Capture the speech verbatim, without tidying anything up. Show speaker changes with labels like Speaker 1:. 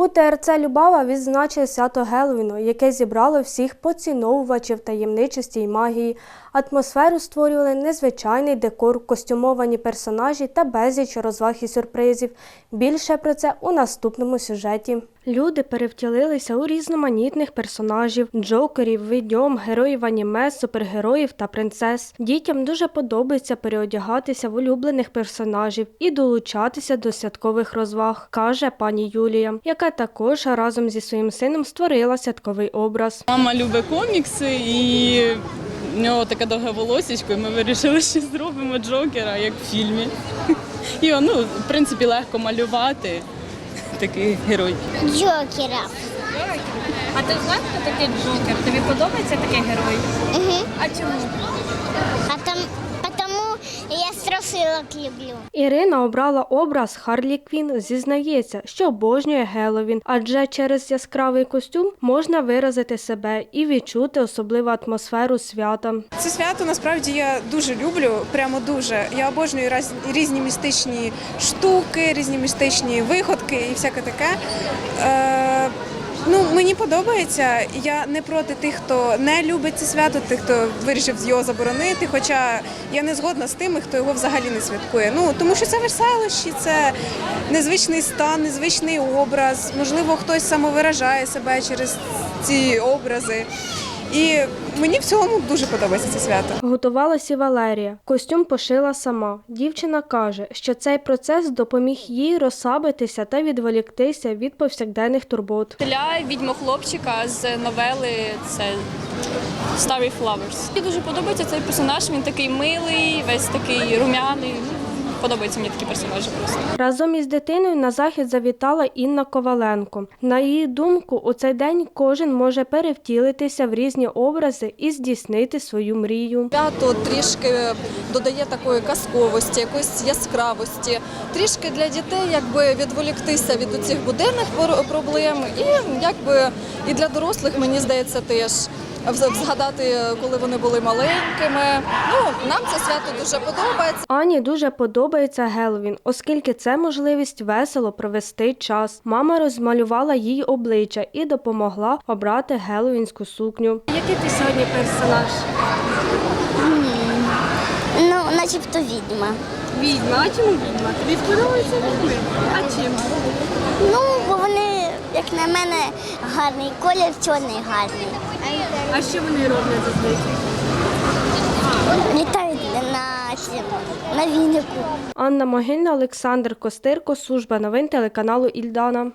Speaker 1: У Те Ер Це «Любава» відзначили свято Геловіну, яке зібрало всіх поціновувачів таємничості й магії. Атмосферу створювали незвичайний декор, костюмовані персонажі та безліч розваг і сюрпризів. Більше про це у наступному сюжеті. Люди перевтілилися у різноманітних персонажів – джокерів, відьом, героїв аніме, супергероїв та принцес. Дітям дуже подобається переодягатися в улюблених персонажів і долучатися до святкових розваг, каже пані Юлія, яка також разом зі своїм сином створила святковий образ.
Speaker 2: Мама любить комікси і в нього таке довге волосечко, і ми вирішили, що зробимо Джокера, як в фільмі. І ну, в принципі, легко малювати. Такий герой.
Speaker 3: Джокера.
Speaker 4: А ти знаєш, хто такий Джокер? Тобі подобається такий герой?
Speaker 3: Угу.
Speaker 4: А чому?
Speaker 3: А там, потому я страшилок люблю.
Speaker 1: Ірина обрала образ Харлі Квін. Зізнається, що обожнює Геловін, адже через яскравий костюм можна виразити себе і відчути особливу атмосферу свята.
Speaker 5: Це свято насправді я дуже люблю, прямо дуже. Я обожнюю раз- різні містичні штуки, різні містичні виходки і всяке таке. Е, ну, мені подобається. Я не проти тих, хто не любить це свято, тих, хто вирішив його заборонити. Хоча я не згодна з тими, хто його взагалі не святкує. Ну, тому що це веселощі, це незвичний стан, незвичний образ. Можливо, хтось самовиражає себе через ці образи. І мені в цілому дуже подобається це свято.
Speaker 1: Готувалася і Валерія. Костюм пошила сама. Дівчина каже, що цей процес допоміг їй розслабитися та відволіктися від повсякденних турбот.
Speaker 6: Для відьмо-хлопчика з новели це Starry Flowers. Мені дуже подобається цей персонаж, він такий милий, весь такий рум'яний. Подобаються мені такі персонажі просто.
Speaker 1: Разом із дитиною на захід завітала Інна Коваленко. На її думку, у цей день кожен може перевтілитися в різні образи і здійснити свою мрію.
Speaker 7: Свято трішки додає такої казковості, якоїсь яскравості. Трішки для дітей якби відволіктися від цих буденних проблем і якби і для дорослих, мені здається, теж згадати, коли вони були маленькими. Ну, нам це свято дуже подобається.
Speaker 1: Ані дуже подобається Геловін, оскільки це можливість весело провести час. Мама розмалювала їй обличчя і допомогла обрати геловінську сукню. Який ти сьогодні персонаж?
Speaker 3: Ну, начебто відьма.
Speaker 4: Відьма. А чому відьма? Тобі подобається відьми? А чим?
Speaker 3: Ну, бо вони, як на мене, гарний колір, чорний гарний.
Speaker 4: А що вони роблять зазвичай?
Speaker 3: Літають на, цьому, на вінику.
Speaker 1: Анна Могильна, Олександр Костирко, служба новин телеканалу Ільдана.